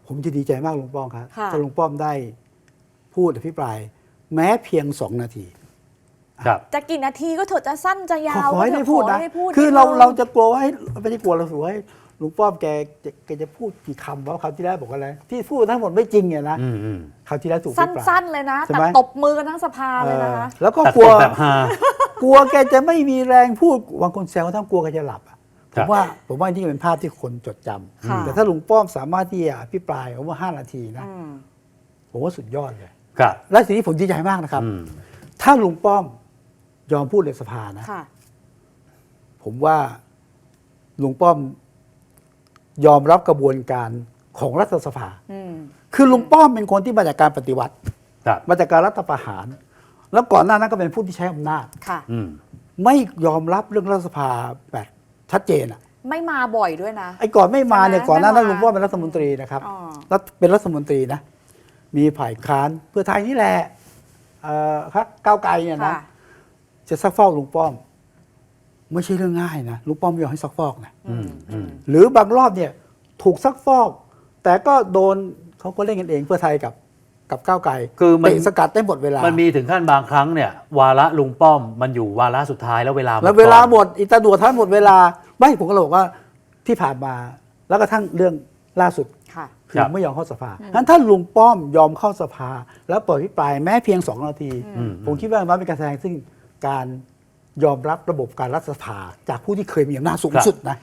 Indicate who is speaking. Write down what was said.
Speaker 1: ผมจะดีใจมากลุงป้อมครับ
Speaker 2: ค่ะ
Speaker 1: ถ้าลุงป้อมได้พูดอภิปราย แม้เพียง2 นาที
Speaker 3: ครับ
Speaker 2: จะกี่นาทีก็เถอะจะสั้นจะยาว
Speaker 1: ขอให้ได้พูด
Speaker 2: ขอ
Speaker 1: นะ
Speaker 2: ให้พูด
Speaker 1: คือ
Speaker 2: นิด
Speaker 1: เรา
Speaker 2: นึง
Speaker 1: เราจะกลัวว่าไม่ได้กลัวเราถือว่าลุงป้อมแกจะพูดกี่คำว่าคราวที่แล้วบอกอะไรที่พูดทั้งหมดไม่จริงเนี่ยนะ
Speaker 3: อืม
Speaker 1: คราวที่แล้วถูก
Speaker 2: สั้นๆเลยนะ
Speaker 1: ใช่
Speaker 2: แต่
Speaker 1: ไหม
Speaker 2: ตบมือกันทั้งสภาเลยนะคะ
Speaker 1: แล้วก็
Speaker 3: ตัด
Speaker 1: กลั
Speaker 3: ต
Speaker 1: ว
Speaker 3: กแบบฮาก
Speaker 1: ลัวแกจะไม่มีแรงพูดบางคนแซวว่าทั้งกลัวแกจะหลับอะผ
Speaker 3: ครั
Speaker 1: ม
Speaker 3: บ
Speaker 1: ว่านี่เป็นภาพที่คนจดจ
Speaker 2: ค่ะ
Speaker 1: ำแต่ถ้าลุงป้อมสามารถที่จะอภิปรายผมว่า5 นาทีนะ
Speaker 2: อืม
Speaker 1: ผมว่าสุดยอดเลย
Speaker 3: ครับ
Speaker 1: และสิ่งที่ผมดีใจมากนะครับ
Speaker 3: อืม
Speaker 1: ถ้าลุงป้อมยอมพูดในสภานะ
Speaker 2: ค่ะ
Speaker 1: ผมว่าลุงป้อมยอมรับกระบวนการของรัฐสภา
Speaker 2: อืม
Speaker 1: คือลุงป้อมเป็นคนที่มาจากการปฏิวัติ
Speaker 3: ครับ
Speaker 1: มาจากการรัฐประหาร แล้วก่อนหน้านั้นก็เป็นผู้ที่ใช้อำนาจ
Speaker 2: ค่ะ
Speaker 3: อืม
Speaker 1: ไม่ยอมรับเรื่องรัฐสภาแบบชัดเจนอ่ะ
Speaker 2: ไม่มาบ่อยด้วยนะ
Speaker 1: ไอ้ก่อนไม่มาเนี่ย
Speaker 2: ใช่ไหม
Speaker 1: ก่อนหน้านั้น
Speaker 2: ไม่มา
Speaker 1: ลุงป้อมเป็นรัฐมนตรีนะครับ
Speaker 2: อ๋อ
Speaker 1: เป็นรัฐมนตรีนะ มีฝ่ายค้านเพื่อไทยนี่แหละครับก้าวไกลเนี่ยนะ
Speaker 2: ค่ะ
Speaker 1: จะซักฟอกลุงป้อม ไม่ใช่เรื่องง่ายนะลุงป้อมไม่ยอมให้ซักฟอกนะ
Speaker 2: อืม
Speaker 3: อืม
Speaker 1: หรือบางรอบเนี่ยถูกซักฟอก แต่ก็โดนเขาก็เล่นกันเองเพื่อไทยกับก้าวไกล
Speaker 3: คือมัน
Speaker 1: เตะสกัดได้หมดเวลา
Speaker 3: มันมีถึงขั้นบางครั้งเนี่ยวาระลุงป้อมมันอยู่วาระสุดท้ายแล้วเวลา
Speaker 1: แล้วเวลาหมดอิตาดัวท่านหมดเวลาไม่ผมก็เลยบอกว่าที่ผ่านมาแล้วก็ทั้งเรื่องล่าสุด
Speaker 2: ค่ะ
Speaker 1: คือไม่ยอมเข้าสภางั้นถ้าลุงป้อมยอมเข้าสภา แล้วเปิดอภิปรายแม้เพียง2 นาที ผมคิดว่ามันเป็นการแสดงซึ่งการยอมรับระบบการรัฐสภาจากผู้ที่เคยมีอำนาจสูงสุดนะ